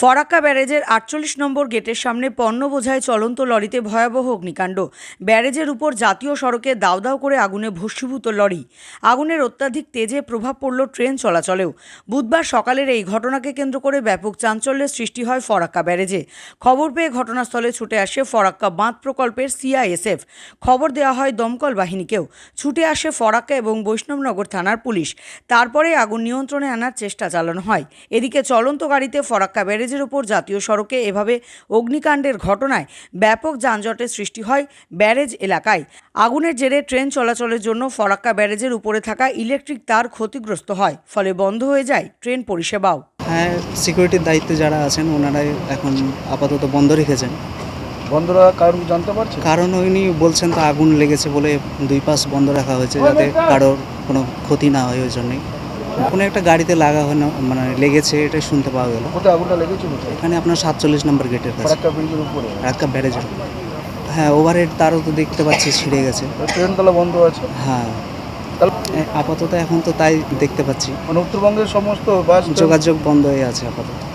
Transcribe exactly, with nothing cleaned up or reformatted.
ফরাক্কা ব্যারেজের আটচল্লিশ নম্বর গেটের সামনে পণ্য বোঝাই চলন্ত লরিতে ভয়াবহ অগ্নিকাণ্ড। ব্যারেজের উপর জাতীয় সড়কে দাউ দাউ করে আগুনে ভস্মীভূত লরি। আগুনের অত্যাধিক তেজে প্রভাব পড়ল ট্রেন চলাচলেও। বুধবার সকালের এই ঘটনাকে কেন্দ্র করে ব্যাপক চাঞ্চল্যের সৃষ্টি হয় ফরাক্কা ব্যারেজে। খবর পেয়ে ঘটনাস্থলে ছুটে আসে ফরাক্কা বাঁধ প্রকল্পের সিআইএসএফ। খবর দেওয়া হয় দমকল বাহিনীকেও। ছুটে আসে ফরাক্কা এবং বৈষ্ণবনগর থানার পুলিশ। তারপরে আগুন নিয়ন্ত্রণে আনার চেষ্টা চালানো হয়। এদিকে চলন্ত গাড়িতে ফরাক্কা ব্যারেজের ওপর জাতীয় সড়কে এভাবে অগ্নিকাণ্ডের ঘটনায় ব্যাপক যানজটের সৃষ্টি হয় ব্যারেজ এলাকায়। আগুনের জেরে ট্রেন চলাচলের জন্য ফরাক্কা ব্যারেজের উপরে থাকা ইলেকট্রিক তার ক্ষতিগ্রস্ত হয়, ফলে বন্ধ হয়ে যায় ট্রেন পরিষেবাও। হ্যাঁ, সিকিউরিটির দায়িত্বে যারা আছেন ওনারাই এখন আপাতত বন্ধ রেখেছেন। বন্ধ রাখার কারণ জানতে পারছি? কারণ উনি বলছেন তো আগুন লেগেছে বলে দুই পাশ বন্ধ রাখা হয়েছে, যাতে কারোর কোনো ক্ষতি না হয়। ওই জন্যই কোনো একটা গাড়িতে লাগা হয় না, মানে লেগেছে, এটাই শুনতে পাওয়া গেল। কোথায় আগুনটা লেগেছে? কোথায়? এখানে আপনার সাতচল্লিশ নম্বর গেটের কাছে, ফরাক্কা ব্রিজের উপরে, ফরাক্কা ব্যারেজের। হ্যাঁ, ওভারহেড তারও তো দেখতে পাচ্ছি ছিঁড়ে গেছে। ট্রেন তাহলে বন্ধ আছে? হ্যাঁ, তাহলে আপাতত এখন তো তাই দেখতে পাচ্ছি। মানে উত্তরবঙ্গের সমস্ত বাস যোগাযোগ বন্ধ হয়ে আছে আপাতত।